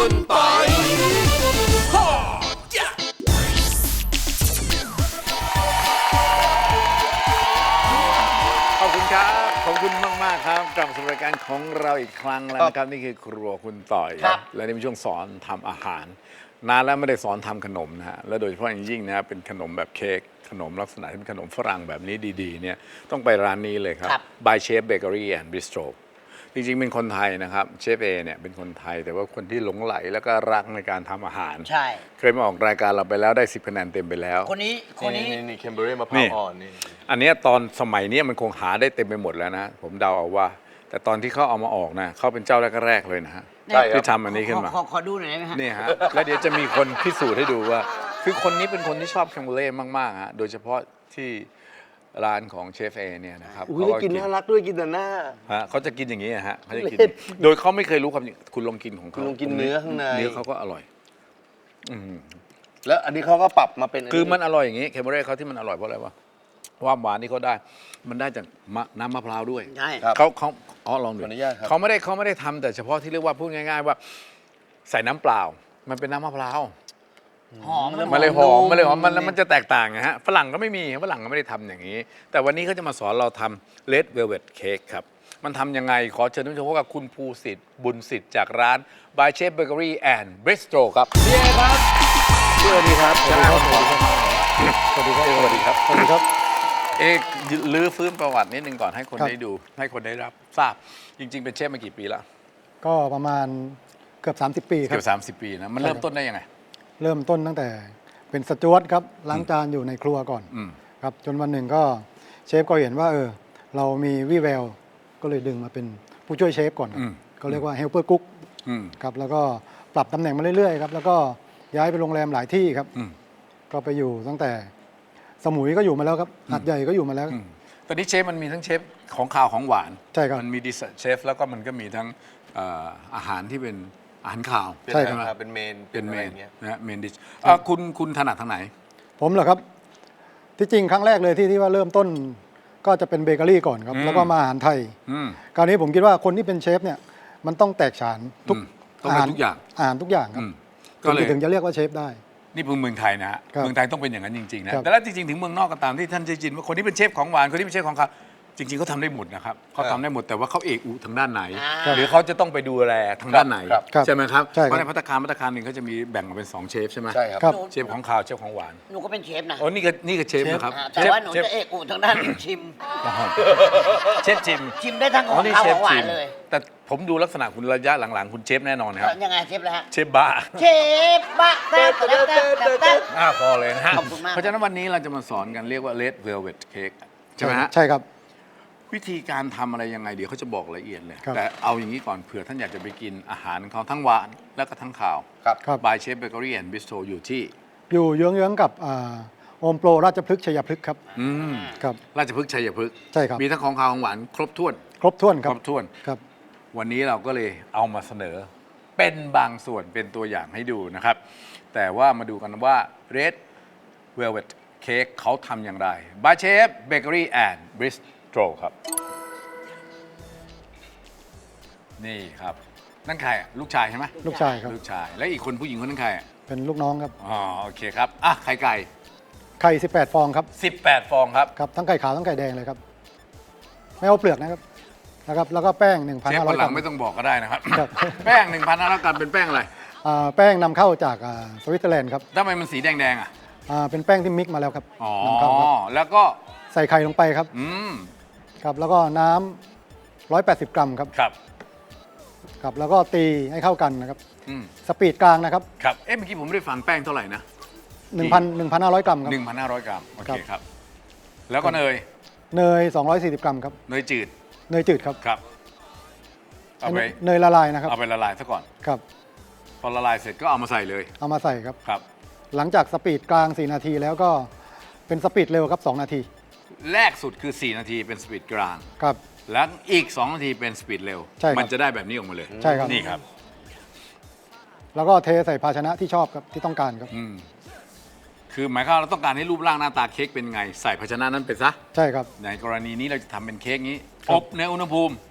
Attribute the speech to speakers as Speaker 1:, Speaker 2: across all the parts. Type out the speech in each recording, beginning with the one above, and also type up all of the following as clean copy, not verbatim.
Speaker 1: คุณปอยขอบคุณครับขอบคุณมากๆครับกลับมาสู่รายการของเราอีกครั้งแล้วนะครับนี่คือครัวคุณต่อยและนี่เป็นช่วงสอนทำอาหารนานแล้วไม่ได้สอนทำขนมนะฮะและโดยเฉพาะอย่างยิ่งนะเป็นขนมแบบเค้กขนมลักษณะที่เป็นขนมฝรั่งแบบนี้ดีๆเนี่ยต้องไปร้านนี้เลยครับ By Chef Bakery and Bistro จริงๆเป็นคนไทยนะครับเชฟเอเนี่ยเป็นคนไทยแต่ว่าคนที่หลงไหลแล้วก็รักในการทำอาหาร
Speaker 2: ใช่
Speaker 1: เคยมาออกรายการเราไปแล้วได้10คะแนนเต็มไปแล้ว
Speaker 2: คนนี้
Speaker 3: นี่เคมเบอรี่มะพร้าวอ่อนนี่
Speaker 1: อันนี้ตอนสมัยนี้มันคงหาได้เต็มไปหมดแล้วนะผมเดาเอาว่าแต่ตอนที่เขาเอามาออกนะเขาเป็นเจ้าแรกๆเลยนะฮะที่ทำอันนี้ขึ้นมา
Speaker 2: ขอดูหน่อยได้ไหมฮะ
Speaker 1: นี่ฮะแล้วเดี๋ยวจะมีคนพิสูจน์ให้ดูว่าคือคนนี้เป็นคนที่ชอบแคมเบอร์เล่มากๆฮะโดยเฉพาะที่ร้านของเชฟเอเนี่ยนะครับ
Speaker 3: อุ้ยได้กินน่ารักด้วยกินแต่หน้า
Speaker 1: ฮะเขาจะกินอย่างนี้ฮะเขาจะกินโดยเขาไม่เคยรู้ความจริงคุณลองกินของเขา
Speaker 3: คุณลองกินเนื้อข้างใน
Speaker 1: เนื้อเขาก็อร่อย
Speaker 3: แล้วอันนี้เขาก็ปรับมาเป็น
Speaker 1: คือมันอร่อยอย่างนี้แคมเบอร์เล่เขาที่มันอร่อยเพราะอะไรวะความหวานที่เขาได้มันได้จากน้ำมะพร้าวด้วย
Speaker 2: ใช่
Speaker 1: เขาลองดูเขาไม่ได้ทำแต่เฉพาะที่เรียกว่าพูดง่ายๆว่าใส่น้ำเปล่ามันเป็นน้ำมะพร้าว
Speaker 2: หอม
Speaker 1: มันเลยหอมมันจะแตกต่างนะฮะฝรั่งก็ไม่มีฝรั่งก็ไม่ได้ทำอย่างนี้แต่วันนี้เขาจะมาสอนเราทำ Red Velvet Cake ครับมันทำยังไงขอเชิญทุกท่านพบกับคุณภูสิทธิ์บุญสิทธิ์จากร้าน By Chef Bakery and Bistro ครับเย้ครับ
Speaker 3: สวัสดีครับ
Speaker 1: สวัสดีครับสวัสดีครับสวัสดีครับสวัสดีครับลื้อฟื้นประวัตินิดนึงก่อนให้คนได้ดูให้คนได้รับทราบจริงๆเป็นเชฟมากี่ปีแล้ว
Speaker 4: ก็ประมาณเกือบ30 ปีครับ
Speaker 1: เกือบ30 ปีนะมันเริ่มต้นได้ยังไง
Speaker 4: เริ่มต้นตั้งแต่เป็นสจ๊วตครับล้างจานอยู่ในครัวก่อนครับจนวันหนึ่งก็เชฟก็เห็นว่าเรามีวี่แววก็เลยดึงมาเป็นผู้ช่วยเชฟก่อนก็เรียกว่าเฮลเปอร์กุ๊กครับแล้วก็ปรับตำแหน่งมาเรื่อยๆครับแล้วก็ย้ายไปโรงแรมหลายที่ครับก็ไปอยู่ตั้งแต่สมุยก็อยู่มาแล้วครับหาดใหญ่ก็อยู่มาแล้ว
Speaker 1: ตอนนี้เชฟมันมีทั้งเชฟของข้าวของหวาน
Speaker 4: ใช่ครับ
Speaker 1: มันมีดิเชฟแล้วก็มันก็มีทั้งอาหารที่เป็นอาหารข่าว
Speaker 3: ใช่ครับเป็นเมน
Speaker 1: นะเมนดิชคุณถนัดทางไหน
Speaker 4: ผมเหรอครับที่จริงครั้งแรกเลยที่ว่าเริ่มต้นก็จะเป็นเบเกอรี่ก่อนครับแล้วก็มาอาหารไทยคราวนี้ผมคิดว่าคนที่เป็นเชฟเนี่ยมันต้องแตกฉานทุก
Speaker 1: อาหารทุกอย่าง
Speaker 4: ครับก็เลยถึงจะเรียกว่าเชฟได้
Speaker 1: นี่เป็นเมืองไทยนะฮะเมืองไทยต้องเป็นอย่างนั้นจริงๆนะแต่แล้วจริงๆถึงเมืองนอกก็ตามที่ท่านจะจินว่าคนที่เป็นเชฟของหวานคนที่เป็นเชฟของข้าวจริงๆเขาทำได้หมดนะครับเขาทำได้หมดแต่ว่าเขาเอกอุทางด้านไหนหรือเขาจะต้องไปดูแลทางด้านไหนใช่ไหมครับเพราะในภัตตาคารหนึ่งเขาจะมีแบ่งออกเป็น2เชฟใช่ไหม
Speaker 3: ใช่ครับ
Speaker 1: เชฟของข้าวเชฟของหวาน
Speaker 2: หนูก็เป็นเชฟนะ
Speaker 1: โอ้นี่ก็เชฟนะครับ
Speaker 2: แต่ว่าหนูจะเอกอุทางด้านชิม
Speaker 1: เชฟ
Speaker 2: ชิมได้ทั้งของข้าวของหวานเลย
Speaker 1: แต่ผมดูลักษณะคุณระยะหลังๆคุณเชฟแน่นอนครับ
Speaker 2: ยังไงเชฟเลยฮะ
Speaker 1: เชฟบ้า
Speaker 2: แต่
Speaker 1: พอเลยนะฮะเพราะฉะนั้นวันนี้เราจะมาสอนกันเรียกว่า Red Velvet Cake ใช่ไหมฮะ
Speaker 4: ใช่ครับ
Speaker 1: วิธีการทำอะไรยังไงเดี๋ยวเขาจะบอกละเอียดเลยแต่เอาอย่างนี้ก่อนเผื่อท่านอยากจะไปกินอาหารของเขาทั้งหวานและก็ทั้งข่าวBy Chef Bakery and Bistro อยู่
Speaker 4: เยื้องๆกับโอมโปรราชพฤกษ์ชัยพฤกษ์ครับ
Speaker 1: ครับราชพฤกษ์ชัยพฤกษ์
Speaker 4: ใช่ครับ
Speaker 1: มีทั้งของข่าวของหวานครบถ้วน
Speaker 4: ครับ
Speaker 1: วันนี้เราก็เลยเอามาเสนอเป็นบางส่วนเป็นตัวอย่างให้ดูนะครับแต่ว่ามาดูกันว่า Red Velvet Cake เขาทำอย่างไร By Chef Bakery and Bistroครับนี่ครับนั่นใครลูกชายใช่ไหม
Speaker 4: ลูกชายครับ
Speaker 1: ลูกชายและอีกคนผู้หญิงคนนั้นใคร
Speaker 4: เป็นลูกน้องครับ
Speaker 1: อ๋อโอเคครับไข่
Speaker 4: 18 ฟองครับ
Speaker 1: 18 ฟองครับ
Speaker 4: ครับทั้งไข่ขาวทั้งไข่แดงเลยครับไม่เอาเปลือกนะครับแล้วก็แป้ง 1,500 กรัมเชฟ
Speaker 1: คนหลังไม่ต้องบอกก็ได้นะครับแป้ง 1,500 กรัมเป็นแป้งอะไร
Speaker 4: แป้งนำเข้าจากสวิตเซอร์แลนด์ครับ
Speaker 1: ทำไมมันสีแดง
Speaker 4: เป็นแป้งที่มิกมาแล้วครับ
Speaker 1: อ๋อแล้วก็
Speaker 4: ใส่ไข่ลงไปครับครับแล้วก็น้ำ180 กรัมครับครับแล้วก็ตีให้เข้ากันนะครับสปีดกลางนะครับ
Speaker 1: ครับเมื่อกี้ผมไม่ได้ฟังแป้งเท่าไหร่นะ
Speaker 4: 1,500 กรัมครับ
Speaker 1: 1,500 กรัมโอเคครับแล้วก็เนย
Speaker 4: 240 กรัมครับ
Speaker 1: เนยจืด
Speaker 4: ครับ
Speaker 1: ครับ
Speaker 4: เอาไปเนยละลายนะครับ
Speaker 1: เอาไปละลายซะก่อน
Speaker 4: ครับ
Speaker 1: พอละลายเสร็จก็เอามาใส่เลย
Speaker 4: เอามาใส่ครับ
Speaker 1: ครับ
Speaker 4: หลังจากสปีดกลาง4 นาทีแล้วก็เป็นสปีดเร็วครับ2 นาที
Speaker 1: แรกสุดคือ4 นาทีเป็นสปีดกลาง
Speaker 4: ครับ
Speaker 1: แล้วอีก2 นาทีเป็นสปีดเร็วมันจะได้แบบนี้ออกมาเลย
Speaker 4: ใช่ครับ
Speaker 1: นี่ครับ
Speaker 4: แล้วก็เทใส่ภาชนะที่ชอบครับที่ต้องการครับ
Speaker 1: คือหมายความเราต้องการให้รูปร่างหน้าตาเค้กเป็นไงใส่ภาชนะนั้นไปซะ
Speaker 4: ใช่ครับ
Speaker 1: ในกรณีนี้เราจะทำเป็นเค้กนี้อบในอุณหภูมิ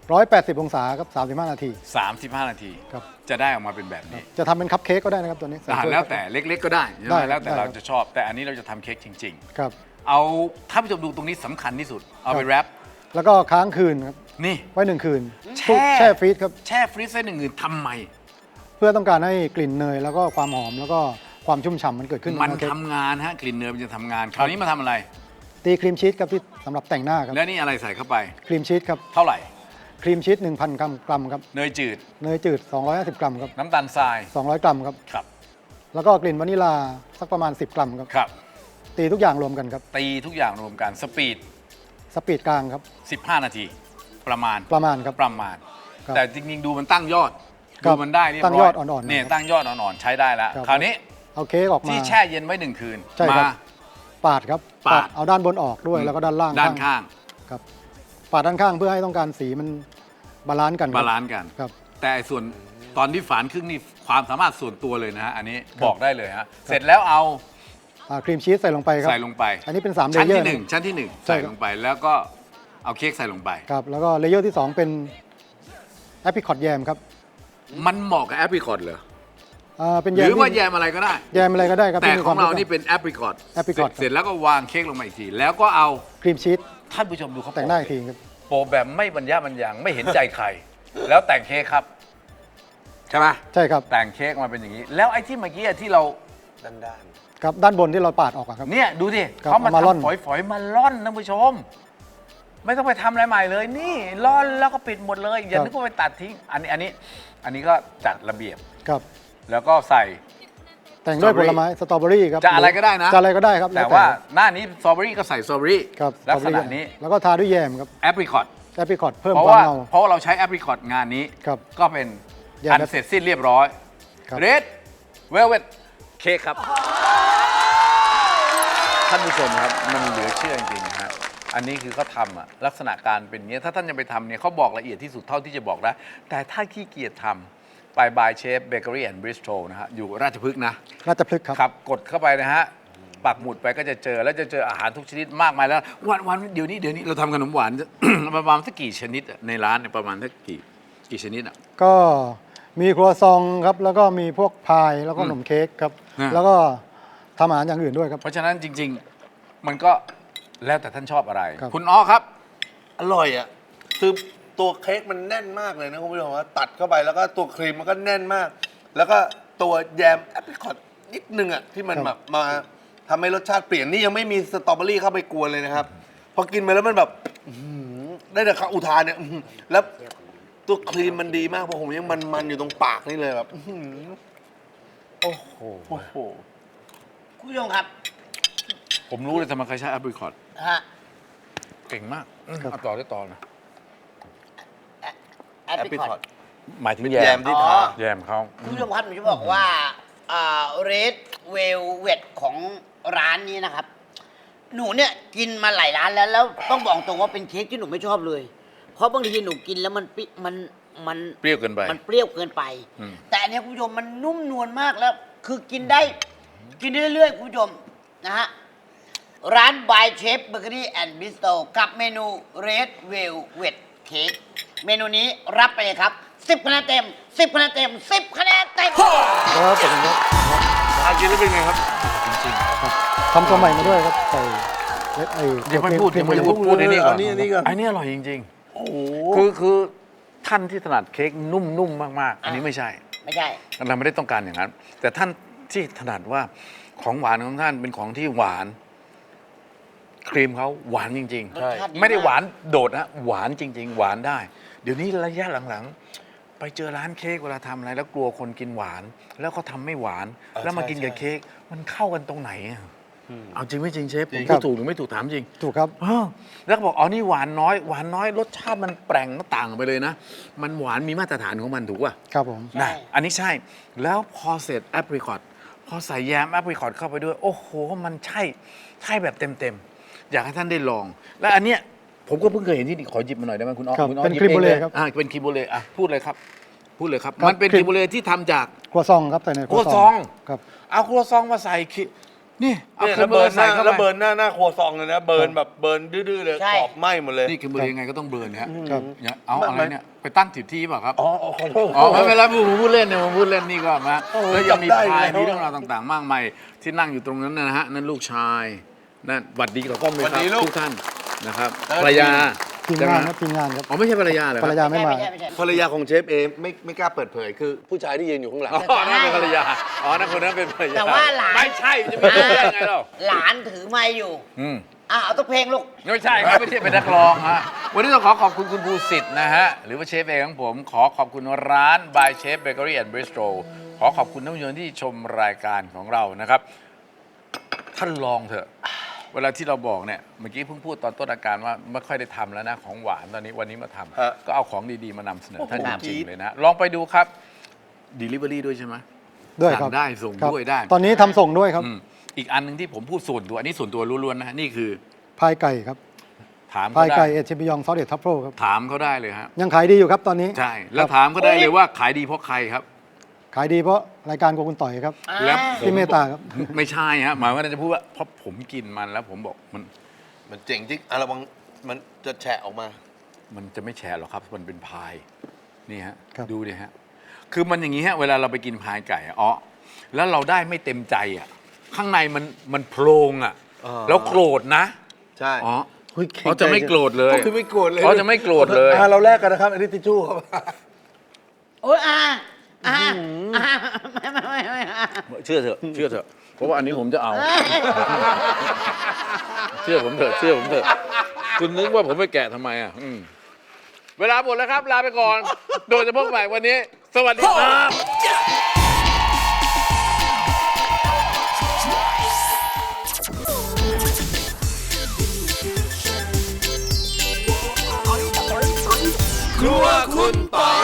Speaker 4: 180 องศาครับ35 นาที
Speaker 1: 35 นาที
Speaker 4: ครับ
Speaker 1: จะได้ออกมาเป็นแบบนี้
Speaker 4: จะทำเป็นคัพเค้กก็ได้นะครับตัวนี้ใส่ถ้ย
Speaker 1: แล้วแต่เล็กๆก็ได้ใช่ไห
Speaker 4: ได้
Speaker 1: มแล้วแต่
Speaker 4: ได้
Speaker 1: เรา
Speaker 4: ครับ
Speaker 1: จะชอบ แต่อันนี้เราจะทำเค้กจริง
Speaker 4: ครับ
Speaker 1: ๆ เอาถ้านผู้ชมดูตรงนี้สำคัญที่สุด เอาไปแรป
Speaker 4: แล้วก็ค้างคืนครับ
Speaker 1: นี่
Speaker 4: ไว้ 1 คืน
Speaker 1: แช่
Speaker 4: แช่ฟรีซครับ
Speaker 1: แช่ฟรีซไว้หนึ่งคืนทำไม
Speaker 4: เพื่อต้องการให้กลิ่นเนยแล้วก็ความหอมแล้วก็ความชุ่มฉ่ำมันเกิดขึ้น
Speaker 1: มัน
Speaker 4: ใเค้ก
Speaker 1: ทำงานฮะกลิ่นเนยมันจะทำงาน คราวนี้มาทำอะไร
Speaker 4: ตีครีมชีสครับที่สำหรับแต่งหน้าครับ
Speaker 1: แล้วนี่อะไรใส่เข้าไป
Speaker 4: ครีมชีสครับ
Speaker 1: เท่าไหร่
Speaker 4: ครีมชีส 1,000 กรัมครับ
Speaker 1: เนยจืด
Speaker 4: เนยจืด 250 กรัมครับ
Speaker 1: น้ำตาลทราย
Speaker 4: 200 กรัมครับ
Speaker 1: ครับ
Speaker 4: แล้วก็กลิ่นวานิลาสักประมาณ 10 กรัมครับ
Speaker 1: ครับ
Speaker 4: ตีทุกอย่างรวมกันครับ
Speaker 1: ตีทุกอย่างรวมกันสปีด
Speaker 4: สปีดกลางครับ
Speaker 1: 15 นาที ประมาณ
Speaker 4: ประมาณครับ
Speaker 1: ประมาณ
Speaker 4: ครับ
Speaker 1: แต่จริงๆ ดูมันตั้งยอด
Speaker 4: ครั
Speaker 1: ดู
Speaker 4: บ
Speaker 1: มันได้เรียบร้อย
Speaker 4: ตั้งยอดอ่อนๆ
Speaker 1: เนี่ย
Speaker 4: นะครับ
Speaker 1: ตั้งยอดอ่อนๆ ใช้ได้แล้ว
Speaker 4: ครับ
Speaker 1: คราวนี้
Speaker 4: เอาเค้กออกมา
Speaker 1: ที่แช่เย็นไว้1 คืน
Speaker 4: ใช่ครับ
Speaker 1: มา
Speaker 4: ปาดครับ
Speaker 1: ปาด
Speaker 4: เอาด้านบนออกด้วยแล้วก็ด้านล่าง
Speaker 1: ด้านข้าง
Speaker 4: ครับปาดด้านข้างเพื่อให้ต้องการสีมันบาลานซ์กันครับ
Speaker 1: บาลานซ์กัน
Speaker 4: ครับ
Speaker 1: แต่ไอ้ส่วนตอนที่ฝานครึ่งนี่ความสามารถส่วนตัวเลยนะฮะ อันนี้บอกได้เลยฮะ เสร็จแล้วเอา
Speaker 4: ครีมชีสใส่ลงไปครับ
Speaker 1: ใส่ลงไป
Speaker 4: อันนี้เป็น3เล
Speaker 1: ชั้น
Speaker 4: เยอ
Speaker 1: ที่
Speaker 4: ร์
Speaker 1: หนึ่งชั้นที่หนึ่ง
Speaker 4: ใช่
Speaker 1: ใส่
Speaker 4: ครับ
Speaker 1: ลงไปแล้วก็เอาเค้กใส่ลงไป
Speaker 4: ครับแล้วก็เลเยอร์ที่ 2 เป็นแอปริคอตแยมครับ
Speaker 1: มันเหมาะกับแอปริคอตเหรอ
Speaker 4: เป็น
Speaker 1: ห
Speaker 4: แยม
Speaker 1: รือว่า
Speaker 4: ที่
Speaker 1: แยมอะไรก็ได้
Speaker 4: แยมอะไรก็ได้ครับ
Speaker 1: แต่
Speaker 4: ที่มี
Speaker 1: ของเรา
Speaker 4: ควม
Speaker 1: นี่เป็นแอปริคอต
Speaker 4: apricot
Speaker 1: เสร็จแล้วก็วางเค้กลงมาอีกที แล้วก็เอา
Speaker 4: ครีมชีส
Speaker 1: ท่านผู้ชมดูเขา
Speaker 4: แต่งหน้าอีกทีครับ
Speaker 1: โปะแบบไม่บรรยะบรรยังไม่เห็นใจใคร แล้วแต่งเค้กครับ ใช่ไหม
Speaker 4: ใช่ครับ
Speaker 1: แต่งเค้กมาเป็นอย่างนี้ แล้วไอ้ที่เมื่อกี้ที่เรา
Speaker 3: ด้าน
Speaker 4: ครับด้านบนที่เราปาดออกอะครับ
Speaker 1: เนี่ยดูดิ
Speaker 4: ครับ
Speaker 1: เขามา
Speaker 4: เอามาร่อน
Speaker 1: ทำฝอยๆมาล่อนท่านผู้ชม ไม่ต้องไปทำอะไรใหม่เลย นี่ล่อนแล้วก็ปิดหมดเลย อย่านึกว่าไปตัดทิ้ง อันนี้ก็จัดระเบียบ
Speaker 4: ครับ
Speaker 1: แล้วก็ใส่
Speaker 4: แต่งด้วย
Speaker 1: สต
Speaker 4: ผ
Speaker 1: รอเบอรี่
Speaker 4: ลไม้สตรอเบอรี่ครับ
Speaker 1: จะอะไรก็ได้นะ
Speaker 4: จะอะไรก็ได้ครับ
Speaker 1: แต่
Speaker 4: ล้
Speaker 1: ว่าหน้านี้สตรอเบอรี่ก็ใส่สตรอเบอรี่
Speaker 4: ครับ
Speaker 1: ลักษณะ
Speaker 4: สตรอเบอรี่
Speaker 1: นี้
Speaker 4: แล้วก็ทาด้วยแยมครับ
Speaker 1: แอปริคอต
Speaker 4: แอปริคอตเพิ่ม
Speaker 1: เพราะ
Speaker 4: ความ
Speaker 1: ว่า
Speaker 4: เงา
Speaker 1: เพราะว่าเราใช้แอปริคอตงานนี้
Speaker 4: ครับ
Speaker 1: ก็เป็น
Speaker 4: แยม
Speaker 1: อันเสร็จสิ้นเรียบร้อย
Speaker 4: ครับ
Speaker 1: เรดเวลเวทเค้กครับ ท่านผู้ชมครับ มันเหลือเชื่อจริงๆนะฮะอันนี้คือเขาทำอะลักษณะการเป็นอย่างนี้ยถ้าท่านจะไปทำเนี่ยเขาบอกละเอียดที่สุดเท่าที่จะบอกได้ แต่ถ้าขี้เกียจทำไปบายเชฟเบเกอรี่แอนด์บริสโตรนะฮะอยู่ราชพฤกษ์นะ
Speaker 4: ราชพฤกษ์ครับ
Speaker 1: ครับกดเข้าไปนะฮะ ปักหมุดไปก็จะเจอแล้วจะเจออาหารทุกชนิดมากมายแล้ว วันเดี๋ยวนี้เราทำขนมหวาน ประมาณสักกี่ชนิดอะในร้านเนี่ยประมาณสักกี่ชนิดอ่ะ
Speaker 4: ก็มีครัวซองครับแล้วก็มีพวกพายแล้วก็ขนมเค้กครับ
Speaker 1: อืม
Speaker 4: แล้วก็ทำอาหารอย่างอื่นด้วยครับ
Speaker 1: เพราะฉะนั้นจริง ๆ มันก็แล้วแต่ท่านชอบอะไร
Speaker 4: ครับ
Speaker 1: คุณอ้อครับ
Speaker 3: ๆอร่อยอ่ะคือตัวเค้กมันแน่นมากเลยนะคุณผู้ชมว่าตัดเข้าไปแล้วก็ตัวครีมมันก็แน่นมาก แล้วก็ตัวแยมแอปริคอตนิดนึงอ่ะที่มันแบบมาทำให้รสชาติเปลี่ยนนี่ยังไม่มีสตรอเบอรี่เข้าไปกวนเลยนะครับ พอกินไปแล้วมันแบบอื้อหือได้แต่คำอุทานเนี่ยอื้อหือแล้วตัวครีมมันดีมากเพราะผมยังมันๆอยู่ตรงปากนี่เลยแบบอื้อหือ
Speaker 1: โอ้โห
Speaker 3: โอ้โห
Speaker 2: คุณผู้ชมครับ
Speaker 1: ผมรู้เลยทำไมใครใช้แอปริคอต
Speaker 2: ฮะ
Speaker 1: เก่งมาก
Speaker 4: ครับ
Speaker 1: เอาต่อได้ต่อนะ
Speaker 2: แอ
Speaker 3: แอ
Speaker 2: ป
Speaker 3: ป
Speaker 2: ริ
Speaker 3: ริ
Speaker 2: ค
Speaker 3: ค
Speaker 2: อ
Speaker 3: อ
Speaker 2: ต
Speaker 3: ต
Speaker 1: หมายถึง
Speaker 3: เป็น
Speaker 1: แย
Speaker 3: แย
Speaker 1: ม
Speaker 3: มที่ทา
Speaker 1: แยมเขา
Speaker 2: คุณผู้ชมครับผมจะบอกว่าเรดเวลเวทของร้านนี้นะครับ หนูเนี่ยกินมาหลายร้านแล้วต้องบอกตรงว่าเป็นเค้กที่หนูไม่ชอบเลย เพราะบางทีหนูกินแล้วมัน
Speaker 1: เปรี้ยวเกินไป
Speaker 2: มันเปรี้ยวเกินไป
Speaker 1: อืม
Speaker 2: แต่อันเนี้ยคุณผู้ชมมันนุ่มนวลมากแล้ว คือกินได้เรื่อยๆคุณผู้ชมนะฮะ ร้าน by Chef Bakery and Bistro กับเมนู Red Velvet Cake เมนูนี้รับไปเลยครับ 10 คะแนนเต็ม 10 คะแนนเต็ม 10 คะแนนเต็ม
Speaker 4: แล้วเป็นอย่างนี้
Speaker 3: อากินแล้วเป็นไงครับ
Speaker 1: จริง
Speaker 4: ครับทำตัวใหม่มาด้วยครับใส่ไอ้
Speaker 1: ๆยังไม่พูด
Speaker 4: ครี
Speaker 1: ยังไม่
Speaker 4: ครี
Speaker 1: พูดในนี้ก่อน
Speaker 3: อันนี้ก่อน
Speaker 1: อันนี้อร่อยจริง
Speaker 3: โอ้โห
Speaker 1: ๆ คือท่านที่ถนัดเค้กนุ่มๆมากๆ อันนี้ไม่ใช่
Speaker 2: ไม่ใช่
Speaker 1: เราไม่ได้ต้องการอย่างนั้น แต่ท่านที่ถนัดว่าของหวานของท่านเป็นของที่หวาน ครีมเขาหวานจริง
Speaker 2: รสชาติดี
Speaker 1: ๆ ไม่ได้
Speaker 2: มาก
Speaker 1: หวานโดดนะหวานจริง ๆ หวานได้ เดี๋ยวนี้ระยะหลังๆ ไปเจอร้านเค้กเวลาทำอะไร แล้วกลัวคนกินหวาน แล้วเขาทำไม่หวาน แล้วมากินกับเค้กมันเข้ากันตรงไหนอะเอาจริงไม่จริงเชฟผมพูดถูกหรือไม่ถูกถามจริง
Speaker 4: ถูกครับ
Speaker 1: แล้วก็บอกอ๋อนี่หวานน้อยรสชาติมันแปลงต่างไปเลยนะ มันหวานมีมาตรฐานของมันถูกป่ะ
Speaker 4: ครับผม
Speaker 2: ใช่
Speaker 1: นะอันนี้ใช่ แล้วพอเสร็จแอปริคอตพอใส่แยมแอปริคอตเข้าไปด้วย โอ้โห มันใช่แบบเต็มๆ อยากให้ท่านได้ลอง และอันเนี้ยผมก็เพิ่งเคยเห็นที่นี่ขอหยิบมาหน่อยได้ไหมคุณอ้อ
Speaker 4: ครับ
Speaker 1: คุณอ้อ
Speaker 4: เป็น
Speaker 1: หยิบ
Speaker 4: ครีม
Speaker 1: อง
Speaker 4: โบเล
Speaker 1: ลย
Speaker 4: ครับ
Speaker 1: เป็นครีมโบเลอ่ะพูดเลยครับ พูดเลยครับ
Speaker 4: ครับ
Speaker 1: มันเป็น
Speaker 4: ครีม
Speaker 1: ครีมโบเลที่ทำจาก
Speaker 4: ครัวซองครับใส่ใน
Speaker 1: ครัวซอง
Speaker 4: ครับ
Speaker 1: เอาครัวซองมาใส่นี่เอา
Speaker 3: เนี่ย
Speaker 1: เค็
Speaker 3: แล้
Speaker 1: ม
Speaker 3: วเบิร์นห
Speaker 1: ใส่
Speaker 3: น้า
Speaker 1: เข้า
Speaker 3: แล้ว
Speaker 1: ไป
Speaker 3: เบิร์นหน้าครัวซองเลยนะ เบิร์นแบบเบิร์นดื้อๆเลย
Speaker 2: ใช่
Speaker 3: ขอบไหม้หมดเลย
Speaker 1: นี่เค็มเบอร์ยังไงก็ต้องเบิร์นฮะ
Speaker 4: ครับ
Speaker 1: อย่าเอาอะไรเนี่ยไปตั้งผิดที่เปล่าครับ
Speaker 3: อ๋อขอโทษ
Speaker 1: อ๋อไม่เป็นไรผมพูดเล่นเนี่ยผมพูดเล่นนี่ก็มา
Speaker 3: โอ้โห
Speaker 1: แล้วยังมี
Speaker 3: จำได้
Speaker 1: พาย
Speaker 3: แล้ว
Speaker 1: มีเรื่องราวต่างๆ มากมายที่นั่งอยู่ตรงนั้นนะฮะนั่นลูกชายนั่นหวัดดีกับกล้องเลยครับทุกท่านนะครับภรรยา
Speaker 4: ทีม
Speaker 1: ใช่ไห
Speaker 4: งานครับทีมงานครับ
Speaker 1: อ๋อไม่ใช่ภรรยาเหรอค
Speaker 4: ภร
Speaker 1: รับ
Speaker 4: รยาไม่มา
Speaker 2: ไม่ใช่
Speaker 3: ภรรยาของเชฟเอไม่กล้าเปิดเผยคือผู้ชายที่ยืนอยู่ข้างหลัง
Speaker 1: อ๋อนั่นเป็นภรรยาอ๋อนั่นคนนั้นเป็นภรรยา
Speaker 2: แต่ว่าหลาน
Speaker 1: ไม่ใช่จะเป็นได้ยังไงเรา
Speaker 2: หลานถือไม้อยู่
Speaker 1: อืม
Speaker 2: เอาตัวเพลงลูก
Speaker 1: ไม่ใช่ครับไม่ใช่เป็นนักร้องฮะวันนี้ต้องขอขอบคุณคุณภูสิทธิ์นะฮะหรือว่าเชฟเองของผมขอขอบคุณร้าน by Chef Bakery and Bistro ขอขอบคุณท่านผู้ชมที่ชมรายการของเรานะครับท่านลองเถอะ เวลาที่เราบอกเนี่ยเมื่อกี้เพิ่งพูดตอนต้นอาการว่าไม่ค่อยได้ทำแล้วนะของหวานตอนนี้วันนี้มาทำ
Speaker 3: ฮะ
Speaker 1: ก็เอาของดีๆมานำเสนอท่าน
Speaker 3: โอ้โห
Speaker 1: จริงๆเลยนะลองไปดูครับ Delivery ด้วยใช่ไหม
Speaker 4: ด้วยครับ
Speaker 1: สั่งได้ส่ง
Speaker 4: ครับ
Speaker 1: ด้วยได้
Speaker 4: ตอนนี้ทำส่งด้วยครับ
Speaker 1: อืมอีกอันหนึ่งที่ผมพูดส่วนตัวอันนี้ส่วนตัวล้วนๆนะฮะนี่คือ
Speaker 4: พายไก่ครับ
Speaker 1: ถาม
Speaker 4: พา
Speaker 1: เขา
Speaker 4: ยไก่
Speaker 1: ได้
Speaker 4: เอชบิยองซอสเด็ดทัฟเฟิลครับ
Speaker 1: ถามเขาได้เลยฮะ
Speaker 4: ยังขายดีอยู่ครับตอนนี้
Speaker 1: ใช่ แล้วถามเขาได้เลยว่าขายดีเพราะใครครับ
Speaker 4: ขายดีเพราะรายการโกคุณต่อยครับ
Speaker 1: แล้วผม
Speaker 4: ที่เมตตาครับ
Speaker 1: ไม่ใช่ฮะหมายว่าจะพูดว่าเพราะผมกินมันแล้วผมบอกมัน
Speaker 3: เจ๋งจริงระวังมันจะแฉะออกมา
Speaker 1: มันจะไม่แฉะหรอกครับมันเป็นพายนี่ฮะ
Speaker 4: ครับ
Speaker 1: ดูดิฮะคือมันอย่างนี้ฮะเวลาเราไปกินพายไก่อะอ๋อแล้วเราได้ไม่เต็มใจอ่ะข้างในมันโพรงอ่ะ
Speaker 3: อ่า
Speaker 1: แล้วโกรธนะ
Speaker 3: ใช่
Speaker 1: อ๋อ
Speaker 3: ฮ้ย
Speaker 1: เขาจะไม่โกรธเลย
Speaker 3: ก็คือไม่โกรธเลย
Speaker 1: เขาจะไม่โกรธเลย
Speaker 3: เราแลกกันนะครับอันนี้ทิชชู่ครับ
Speaker 2: โอ้ยไม่
Speaker 1: เชื่อเถอะเชื่อเถอะเพราะว่าอันนี้ผมจะเอา เชื่อผมเถอะเชื่อผมเถอะคุณนึกว่าผมไปแกะทำไมอ่ะเวลาหมดแล้วครับ ลาไปก่อน โดยเฉพาะใหม่วันนี้ สวัสดีครับ
Speaker 5: ครัวคุณปอย